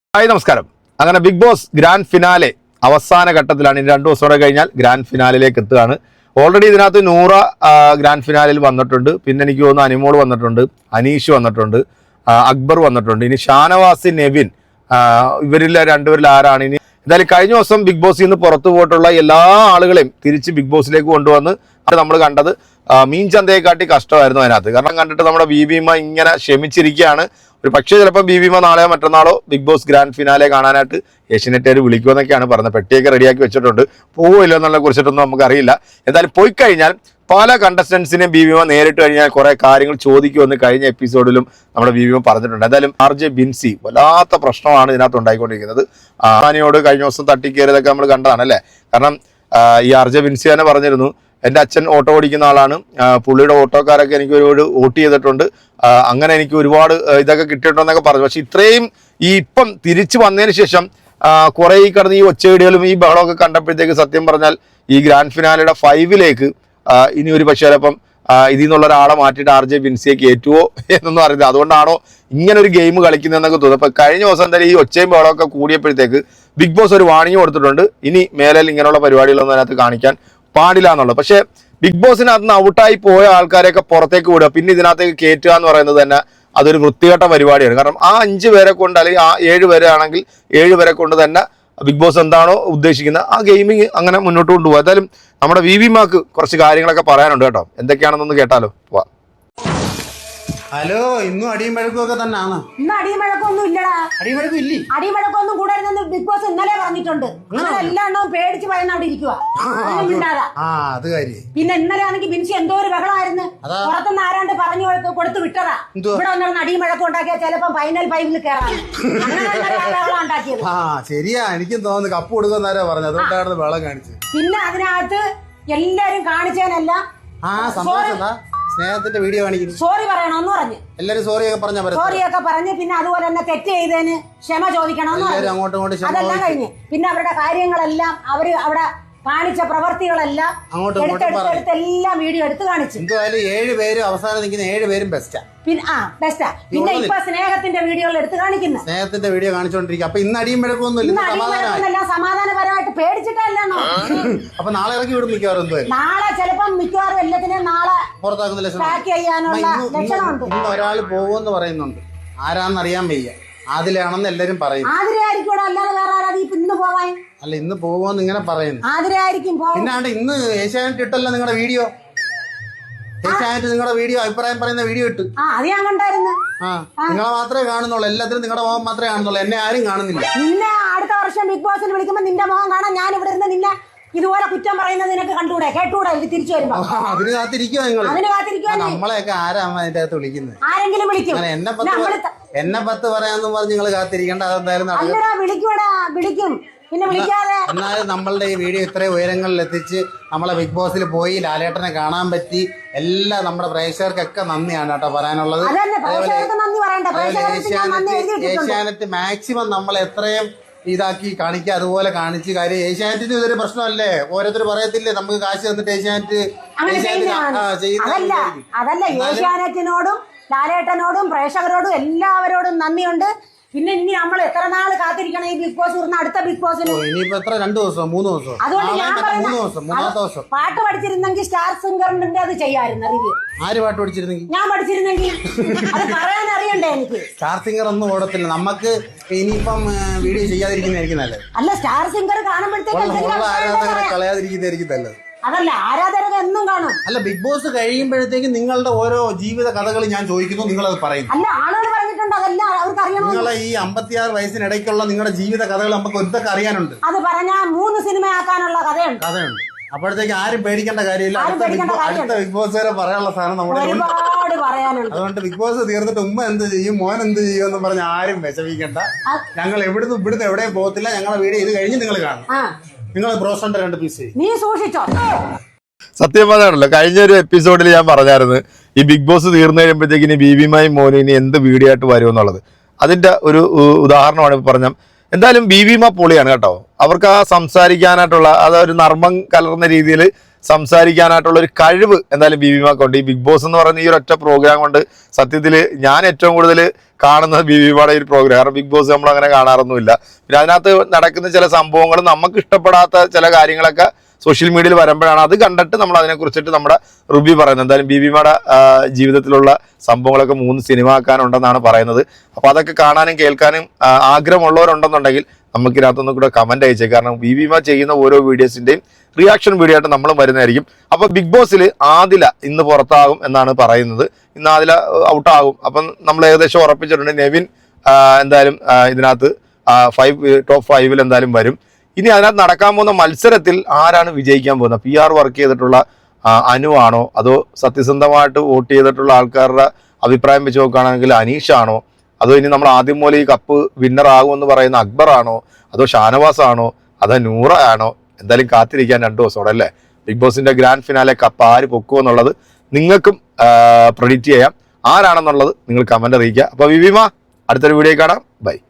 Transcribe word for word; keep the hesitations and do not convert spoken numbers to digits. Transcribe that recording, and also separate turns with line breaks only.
Hi നമസ്കാരം. അങ്ങനെ big boss grand finale അവസാന ഘട്ടത്തിലാണ്. ഇനി രണ്ടു ദിവസം കൂടെ കഴിഞ്ഞാൽ ഗ്രാൻഡ് ഫിനാലിലേക്ക് എത്തുകയാണ്. ഓൾറെഡി ഇതിനകത്ത് നൂറ ഗ്രാൻഡ് ഫിനാലിൽ വന്നിട്ടുണ്ട്. പിന്നെ എനിക്ക് തോന്നുന്നു അനിമോൾ വന്നിട്ടുണ്ട്, അനീഷ് വന്നിട്ടുണ്ട്, അക്ബർ വന്നിട്ടുണ്ട്. ഇനി ഷാനവാസ്, നെവിൻ, ഇവരിൽ രണ്ടുപേരിൽ ആരാണ് ഇനി? എന്തായാലും കഴിഞ്ഞ ദിവസം ബിഗ് ബോസിൽ നിന്ന് പുറത്തു പോയിട്ടുള്ള എല്ലാ ആളുകളെയും തിരിച്ച് ബിഗ് ബോസിലേക്ക് കൊണ്ടുവന്ന് അത് നമ്മൾ കണ്ടത് മീൻ ചന്തയെക്കാട്ടി കഷ്ടമായിരുന്നു അതിനകത്ത്. കാരണം കണ്ടിട്ട് നമ്മുടെ ബീബിമ ഇങ്ങനെ ക്ഷമിച്ചിരിക്കുകയാണ്. ഒരു പക്ഷേ ചിലപ്പോൾ ബീബിമ നാളെയോ മറ്റന്നാളോ ബിഗ് ബോസ് ഗ്രാൻഡ് ഫിനാലെ കാണാനായിട്ട് ഏഷ്യനെറ്റുകാർ വിളിക്കുമെന്നൊക്കെയാണ് പറഞ്ഞത്. പെട്ടിയൊക്കെ റെഡിയാക്കി വെച്ചിട്ടുണ്ട്. പോവില്ലോ എന്നുള്ള കുറിച്ചിട്ടൊന്നും നമുക്കറിയില്ല. എന്തായാലും പോയി കഴിഞ്ഞാൽ പല കണ്ടസ്റ്റൻസിനെയും ബീബിമ നേരിട്ട് കഴിഞ്ഞാൽ കുറെ കാര്യങ്ങൾ ചോദിക്കുമെന്ന് കഴിഞ്ഞ എപ്പിസോഡിലും നമ്മുടെ ബീബിമ പറഞ്ഞിട്ടുണ്ട്. എന്തായാലും ആർ ജെ ബിൻസി വല്ലാത്ത പ്രശ്നമാണ് ഇതിനകത്ത് ഉണ്ടായിക്കൊണ്ടിരിക്കുന്നത്. ആനിയോട് കഴിഞ്ഞ ദിവസം തട്ടിക്കയറിയതൊക്കെ നമ്മൾ കണ്ടതാണ് അല്ലേ? കാരണം ഈ ആർ ജെ ബിൻസി തന്നെ പറഞ്ഞിരുന്നു, എൻ്റെ അച്ഛൻ ഓട്ടോ ഓടിക്കുന്ന ആളാണ്, പുള്ളിയുടെ ഓട്ടോക്കാരൊക്കെ എനിക്ക് ഒരുപാട് വോട്ട് ചെയ്തിട്ടുണ്ട്, അങ്ങനെ എനിക്ക് ഒരുപാട് ഇതൊക്കെ കിട്ടിയിട്ടുണ്ടെന്നൊക്കെ പറഞ്ഞു. പക്ഷെ ഇത്രയും ഈ ഇപ്പം തിരിച്ചു വന്നതിന് ശേഷം കുറെ ഈ കിടന്ന് ഈ ഒച്ചയിടികളും ഈ ബഹളമൊക്കെ കണ്ടപ്പോഴത്തേക്ക് സത്യം പറഞ്ഞാൽ ഈ ഗ്രാൻഡ് ഫിനാലയുടെ ഫൈവിലേക്ക് ഇനി ഒരു പക്ഷേ ചിലപ്പം ഇതിൽ നിന്നുള്ള ഒരാളെ മാറ്റിയിട്ട് ആർ ജെ ബിൻസിയെ കയറ്റുവോ എന്നൊന്നും അറിയില്ല. അതുകൊണ്ടാണോ ഇങ്ങനെ ഒരു ഗെയിം കളിക്കുന്നതെന്നൊക്കെ തോന്നുന്നു. അപ്പൊ കഴിഞ്ഞ ദിവസം എന്തായാലും ഈ ഒച്ചയും ബഹളമൊക്കെ കൂടിയപ്പോഴത്തേക്ക് ബിഗ് ബോസ് ഒരു വാണിംഗ് കൊടുത്തിട്ടുണ്ട്, ഇനി മേലിൽ ഇങ്ങനെയുള്ള പരിപാടികളൊന്നും അതിനകത്ത് കാണിക്കാൻ പാടില്ല എന്നുള്ളത്. പക്ഷെ ബിഗ് ബോസിനകത്ത് നിന്ന് ഔട്ടായി പോയ ആൾക്കാരെയൊക്കെ പുറത്തേക്ക് വിടുക, പിന്നെ ഇതിനകത്തേക്ക് കയറ്റുക എന്ന് പറയുന്നത് തന്നെ അതൊരു വൃത്തികെട്ട പരിപാടിയാണ്. കാരണം ആ അഞ്ച് പേരെ കൊണ്ട് അല്ലെങ്കിൽ ആ ഏഴ് പേരെ ആണെങ്കിൽ ഏഴ് പേരെ കൊണ്ട് തന്നെ ബിഗ് ബോസ് എന്താണോ ഉദ്ദേശിക്കുന്നത് ആ ഗെയിമിങ് അങ്ങനെ മുന്നോട്ട് കൊണ്ടുപോകും. എന്തായാലും നമ്മുടെ വി വി മാക്ക് കുറച്ച് കാര്യങ്ങളൊക്കെ പറയാനുണ്ട് കേട്ടോ. എന്തൊക്കെയാണെന്നൊന്ന് കേട്ടാലോ. വാ.
ഹലോ, ഇന്നും അടിയും വഴക്കൊക്കെ തന്നെയാണ്.
ഇന്ന് അടിയും വഴക്കൊന്നും ഇല്ലടാ.
അടിയും വഴക്കും ഇല്ലേ?
അടിയും വഴക്കൊന്നും കൂടായിരുന്നെന്ന് ബിഗ് ബോസ് ഇന്നലെ പറഞ്ഞിട്ടുണ്ട്. എല്ലാ എണ്ണവും പേടിച്ച് ഭയന്ന് അവിടെ ഇരിക്കുക. പിന്നെ ഇന്നലെ ആണെങ്കിൽ ബിൻസി എന്തോ ഒരു ബഹളമായിരുന്നു. പുറത്തുനിന്ന് ആരാണ്ട് പറഞ്ഞു കൊടുത്ത് വിട്ടതാ. ഇവിടെ വന്നിരുന്ന അടിയും വഴക്കം ഉണ്ടാക്കിയാൽ ചിലപ്പോ ഫൈനൽ ഫൈവിൽ കയറാം. ബഹളം ഉണ്ടാക്കിയത്.
ആ ശരിയാ, എനിക്കും തോന്നുന്നു കപ്പ് കൊടുക്കുന്നവരാ പറഞ്ഞത്, അതുകൊണ്ടാണ് ബഹളം കാണിച്ചത്.
പിന്നെ അതിനകത്ത് എല്ലാരും കാണിച്ചതിനല്ല
ആ സന്തോഷം, സ്നേഹത്തിന്റെ വീഡിയോ കാണിക്കുന്നു.
സോറി പറയണമെന്ന് പറഞ്ഞു.
എല്ലാരും സോറിയൊക്കെ പറഞ്ഞ
സോറിയൊക്കെ പറഞ്ഞ് പിന്നെ അതുപോലെ തന്നെ തെറ്റ് ചെയ്തതിന് ക്ഷമ ചോദിക്കണമെന്ന് പറഞ്ഞു. അതെല്ലാം കഴിഞ്ഞ് പിന്നെ അവരുടെ കാര്യങ്ങളെല്ലാം അവര് അവിടെ കാണിച്ച പ്രവർത്തികളെല്ലാം എടുത്തെടുത്തെല്ലാം വീഡിയോ എടുത്ത് കാണിച്ചു.
എന്തായാലും ഏഴ് പേരും അവസാനം നിൽക്കുന്ന ഏഴ് പേരും ബെസ്റ്റാ.
പിന്നെ ആ ബെസ്റ്റാ. പിന്നെ ഇപ്പൊ സ്നേഹത്തിന്റെ വീഡിയോകൾ എടുത്ത് കാണിക്കുന്നു.
സ്നേഹത്തിന്റെ വീഡിയോ കാണിച്ചോണ്ടിരിക്കും. അപ്പൊ ഇന്ന് അടിയും വഴക്കൊന്നുമില്ല,
സമാധാനപരമായിട്ട് പേടിച്ചിട്ടല്ലോ.
അപ്പൊ നാളെ ഇറക്കി വിടും മിക്കവാറും.
നാളെ ചിലപ്പം മിക്കവാറും എല്ലാത്തിനും നാളെ
പുറത്താക്കുന്ന
ലക്ഷണം.
ഇന്ന് ഒരാൾ പോകുമെന്ന് പറയുന്നുണ്ട്, ആരാന്നറിയാൻ വയ്യ. ആദിലാണെന്ന് എല്ലാരും പറയും.
ആതിരയായിരിക്കും, അല്ലാതെ വേറെ ആരാ ഇന്ന് പോവാൻ?
അല്ല, ഇന്ന് പോവോന്ന് ഇങ്ങനെ പറയുന്നു.
ആതിരയായിരിക്കും.
പിന്നാണ്ട് ഇന്ന് ഏഷ്യാനെറ്റ് ഇട്ടല്ലോ നിങ്ങളുടെ വീഡിയോ. ഏഷ്യാനെറ്റ് നിങ്ങളുടെ വീഡിയോ അഭിപ്രായം പറയുന്ന വീഡിയോ ഇട്ട്.
ആ അത് ഞാൻ കണ്ടായിരുന്നു.
ആ നിങ്ങളെ മാത്രമേ കാണുന്നുള്ളൂ, എല്ലാത്തിനും നിങ്ങളുടെ മുഖം മാത്രമേ കാണുന്നുള്ളൂ, എന്നെ ആരും കാണുന്നില്ല.
നിന്നെ അടുത്ത വർഷം ബിഗ് ബോസിൽ വിളിക്കുമ്പോ നിന്റെ മുഖം കാണാൻ ഞാൻ ഇവിടെ ഇരുന്ന് നിന്നെ ഇതുപോലെ കുറ്റം പറയുന്നത് നിനക്ക് കണ്ടുകൂടെ, കേട്ടുകൂടെ? ഇത് തിരിച്ചു വരുമ്പോ
അതിന് കാത്തിരിക്കുവോ നിങ്ങൾ?
അതിന് കാത്തിരിക്കുവോ?
നമ്മളെയൊക്കെ ആരാ അതിന്റെ അകത്ത് വിളിക്കുന്നത്?
ആരെങ്കിലും വിളിക്കും.
എന്നെ പത്ത് എന്നെ പത്ത് പറയാന്ന് പറഞ്ഞ് നിങ്ങൾ കാത്തിരിക്കേണ്ട. അതെന്തായാലും
വിളിക്കൂടാ, വിളിക്കും. പിന്നെ വിളിക്കാതെ
എന്നാലും നമ്മളുടെ ഈ വീഡിയോ ഇത്രയും ഉയരങ്ങളിൽ എത്തിച്ച് നമ്മളെ ബിഗ് ബോസിൽ പോയി ലാലേട്ടനെ കാണാൻ പറ്റി എല്ലാം നമ്മുടെ പ്രേക്ഷകർക്കൊക്കെ നന്ദിയാണ് കേട്ടോ പറയാനുള്ളത്. ഏഷ്യാനെറ്റ് മാക്സിമം നമ്മൾ എത്രയും ഇതാക്കി കാണിക്കുക, അതുപോലെ കാണിച്ച് കാര്യം. ഏഷ്യാനെറ്റിന് ഇതൊരു പ്രശ്നമല്ലേ? ഓരോരുത്തർ പറയത്തില്ലേ നമുക്ക് കാശ് തന്നിട്ട് ഏഷ്യാനെറ്റ്
അതല്ല. ഏഷ്യാനെറ്റിനോടും ലാലേട്ടനോടും പ്രേക്ഷകരോടും എല്ലാവരോടും നന്ദിയുണ്ട്. പിന്നെ ഇനി നമ്മൾ എത്ര നാള് കാത്തിരിക്കണം ഈ ബിഗ് ബോസ് വരുന്ന അടുത്ത ബിഗ് ബോസിന്?
ഇനിയിപ്പോ എത്ര, രണ്ടു ദിവസം മൂന്ന് ദിവസം
അതുകൊണ്ട് ഞാൻ
മൂന്ന് ദിവസം മൂന്നാമത്തെ ദിവസം
പാട്ട് പഠിച്ചിരുന്നെങ്കിൽ സ്റ്റാർ സിംഗറിന്റെ അത് ചെയ്യായിരുന്നു റിവ്യൂ.
ആര് പാട്ട് പഠിച്ചിരുന്നെങ്കിൽ?
ഞാൻ പഠിച്ചിരുന്നെങ്കിൽ അത് പറയാൻ അറിയണ്ടേ എനിക്ക്?
സ്റ്റാർ സിംഗർ ഒന്നും ഓടത്തില്ല നമുക്ക്. ഇനിയിപ്പം വീഡിയോ ചെയ്യാതിരിക്കുന്നതായിരിക്കും നല്ലത്.
അല്ല, സ്റ്റാർ സിംഗർ കാണുമ്പോഴത്തേക്ക്
കളയാതിരിക്കുന്നതായിരിക്കും നല്ലത്.
അതല്ല, ആരാധകർ എന്നും കാണും.
അല്ല, ബിഗ് ബോസ് കഴിയുമ്പോഴത്തേക്കും നിങ്ങളുടെ ഓരോ ജീവിത കഥകൾ ഞാൻ ചോദിക്കുന്നു, നിങ്ങളത് പറയുന്നു.
അല്ല, ആളുകൾ പറഞ്ഞിട്ടുണ്ട്, അതല്ല അവർക്ക് അറിയണം.
നിങ്ങളെ ഈ അമ്പത്തിയാറ് വയസ്സിനിടയ്ക്കുള്ള നിങ്ങളുടെ ജീവിത കഥകൾ നമുക്ക് ഒരുത്തൊക്കെ അറിയാനുണ്ട്.
അത് പറഞ്ഞാ മൂന്ന് സിനിമ ആക്കാനുള്ള കഥയുണ്ട്
കഥയുണ്ട് അപ്പോഴത്തേക്ക് ആരും പേടിക്കേണ്ട കാര്യമില്ല. അടുത്ത ബിഗ് ബോസ് വരെ പറയാനുള്ള സാധനം നമ്മുടെ
ഒരുപാട് പറയാനുണ്ട്.
അതുകൊണ്ട് ബിഗ് ബോസ് തീർന്നിട്ട് ഉമ്മ എന്ത് ചെയ്യും, മോൻ എന്ത് ചെയ്യും എന്ന് പറഞ്ഞ് ആരും വിഷമിക്കണ്ട. ഞങ്ങൾ എവിടുന്ന് ഇവിടുന്ന് എവിടെയും പോകത്തില്ല. ഞങ്ങളുടെ വീഡിയോ ഇത് കഴിഞ്ഞ് നിങ്ങൾ കാണും. നിങ്ങൾ ബ്രോസ്റ്ററിന്റെ രണ്ട് പീസ്
നീ സൂക്ഷിച്ചോ.
സത്യം പറഞ്ഞാണല്ലോ, കഴിഞ്ഞ ഒരു എപ്പിസോഡിൽ ഞാൻ പറഞ്ഞായിരുന്നു ഈ ബിഗ് ബോസ് തീർന്നു കഴിയുമ്പോഴത്തേക്ക് ഇനി ബീബിമായും മോനും ഇനി എന്ത് വീഡിയോ ആയിട്ട് വരുമെന്നുള്ളത്. അതിന്റെ ഒരു ഉദാഹരണമാണ് ഇപ്പൊ പറഞ്ഞത്. എന്തായാലും ബീബിമ പൊളിയാണ് കേട്ടോ. അവർക്ക് ആ സംസാരിക്കാനായിട്ടുള്ള അതൊരു നർമ്മം കലർന്ന രീതിയിൽ സംസാരിക്കാനായിട്ടുള്ള ഒരു കഴിവ് എന്തായാലും ബീവിമാക്കുണ്ട്. ഈ ബിഗ് ബോസ് എന്ന് പറയുന്ന ഈ ഒരു ഒറ്റ പ്രോഗ്രാം കൊണ്ട് സത്യത്തിൽ ഞാൻ ഏറ്റവും കൂടുതൽ കാണുന്നത് ബീവിമാടെ ഒരു പ്രോഗ്രാം. കാരണം ബിഗ് ബോസ് നമ്മൾ അങ്ങനെ കാണാറൊന്നുമില്ല. പിന്നെ അതിനകത്ത് നടക്കുന്ന ചില സംഭവങ്ങൾ നമുക്ക് ഇഷ്ടപ്പെടാത്ത ചില കാര്യങ്ങളൊക്കെ സോഷ്യൽ മീഡിയയിൽ വരുമ്പോഴാണ് അത് കണ്ടിട്ട് നമ്മൾ അതിനെക്കുറിച്ചിട്ട് നമ്മുടെ റിവ്യൂ പറയുന്നത്. എന്തായാലും ബീവിമാടെ ജീവിതത്തിലുള്ള സംഭവങ്ങളൊക്കെ മൂന്ന് സിനിമ ആക്കാനുണ്ടെന്നാണ് പറയുന്നത്. അപ്പോൾ അതൊക്കെ കാണാനും കേൾക്കാനും ആഗ്രഹമുള്ളവരുണ്ടെന്നുണ്ടെങ്കിൽ നമുക്ക് ഇതിനകത്തൊന്നും കൂടെ കമന്റ് അയച്ചേ. കാരണം ബീവിമ ചെയ്യുന്ന ഓരോ വീഡിയോസിന്റെയും റിയാക്ഷൻ വീഡിയോ ആയിട്ട് നമ്മളും വരുന്നതായിരിക്കും. അപ്പോൾ ബിഗ് ബോസിൽ ആദില ഇന്ന് പുറത്താകും എന്നാണ് പറയുന്നത്. ഇന്ന് ആദില ഔട്ടാകും. അപ്പം നമ്മൾ ഏകദേശം ഉറപ്പിച്ചിട്ടുണ്ട് നെവിൻ എന്തായാലും ഇതിനകത്ത് ഫൈവ് ടോപ്പ് ഫൈവിൽ എന്തായാലും വരും. ഇനി അതിനകത്ത് നടക്കാൻ പോകുന്ന മത്സരത്തിൽ ആരാണ് വിജയിക്കാൻ പോകുന്നത്? പി ആർ വർക്ക് ചെയ്തിട്ടുള്ള അനു ആണോ, അതോ സത്യസന്ധമായിട്ട് വോട്ട് ചെയ്തിട്ടുള്ള ആൾക്കാരുടെ അഭിപ്രായം വെച്ച് നോക്കുകയാണെങ്കിൽ അനീഷാണോ, അതോ ഇനി നമ്മൾ ആദ്യം പോലെ ഈ കപ്പ് വിന്നർ ആകുമെന്ന് പറയുന്ന അക്ബർ ആണോ, അതോ ഷാനവാസ് ആണോ, അതോ നൂറ ആണോ? എന്തായാലും കാത്തിരിക്കാൻ രണ്ടു ദിവസത്തോടെ അല്ലേ. ബിഗ് ബോസിന്റെ ഗ്രാൻഡ് ഫിനാലെ കപ്പ് ആര് പൊക്കുമെന്നുള്ളത് നിങ്ങൾക്കും പ്രെഡിക്റ്റ് ചെയ്യാം. ആരാണെന്നുള്ളത് നിങ്ങൾ കമന്റ് അറിയിക്കുക. അപ്പോൾ വിവിമ അടുത്തൊരു വീഡിയോ കാണാം. ബൈ.